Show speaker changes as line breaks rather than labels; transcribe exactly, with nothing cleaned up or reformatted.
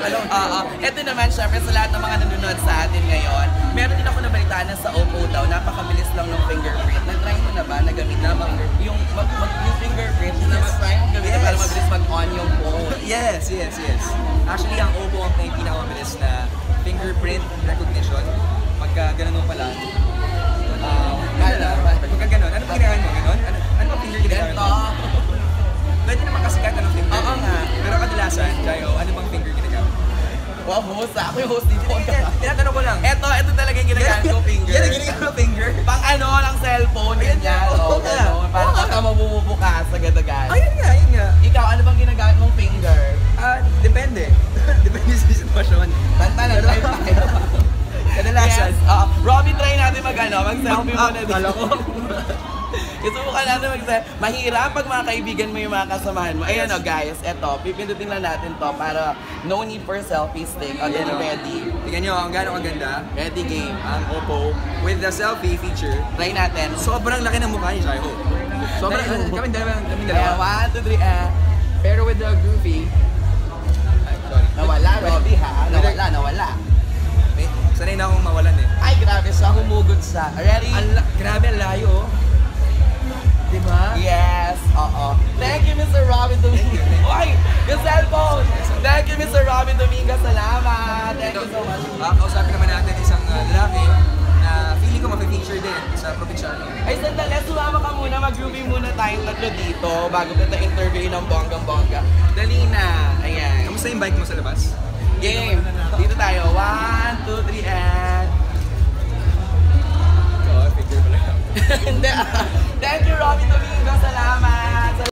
Oo. Ito naman, syempre, sa lahat ng mga nanonood sa atin ngayon, meron din ako nabalitaan na sa Oppo daw, napakabilis lang ng fingerprint. Nag-try mo na ba na gamit na yung, mag, mag, yung fingerprint na mag-try mo gamitin yes. para mabilis mag-on yung phone?
Yes, yes, yes. Actually, ang Oppo ang may pinakamabilis na fingerprint recognition. Pagka ganun mo pala, um, ano, pagka ganun, ano ba ginagawa mo? Ganun? Ano, ano ba finger ginagawa mo? Pwede naman kasi kahit anong finger.
Oo nga.
Pero kadalasan, Jayo, ano bang finger ginagawa?
Wow, host. Ako yung host dito.
Tinatanong ko lang.
Eto, eto talaga yung ginagamit ko finger.
Yan ang ginagamit ko finger?
Pang ano, ng cellphone, ganyan. Oo, gano'n. Parang pagka mabubukas, agad-agad.
Ayun nga, ayun nga.
Ikaw, ano bang ginagamit mong finger?
Ah, depende. Depende sa sitwasyon.
Tanta na, try tayo.
Kadalasan.
Yes. Uh, Robin, try natin mag-ano, mag-selfie muna dito.
Kala ko.
Isubukan natin mag-selfie. Mahirap pag mga kaibigan mo yung mga kasamahan mo. Ayan o guys, eto, pipindutin lang natin to para no need for selfie stick. O, then ready.
Tingnan nyo, ang gano'ng kaganda.
Ready game.
Ang Oppo with the selfie feature.
Try natin.
Sobrang laki ng mukha ni Jayo. Sobrang, kami dalawa, kami
Ayan,
dalawa.
one, two, three, ah.
Pero with the groovy. Ay, sorry.
Nawala, Robby ha? Nawala, nawala.
May, sanay na akong mawalan eh.
Ay, grabe siya. Humugot siya. Ready?
Ang, grabe, ang layo oh. Diba?
Yes, oo. Thank you, Mister Robin Dominguez. Uy, yung cellphone! Thank you, Mister Robin Dominguez. Salamat. Thank you so much.
Uh, kausapin naman natin isang uh, lalaki na feeling ko ma-feature din sa probinsyano.
Ay, sandali. Sumama ka muna. Mag-groovy muna tayong tatlo dito bago kita interview ng bonggang-bongga. Dali na. Ayan.
Kamusta yung bike mo sa labas?
Game. Dito tayo. One, two, three, and...
Oo, picture pala.
Hindi. Thank you, Robin Domingo. Salamat.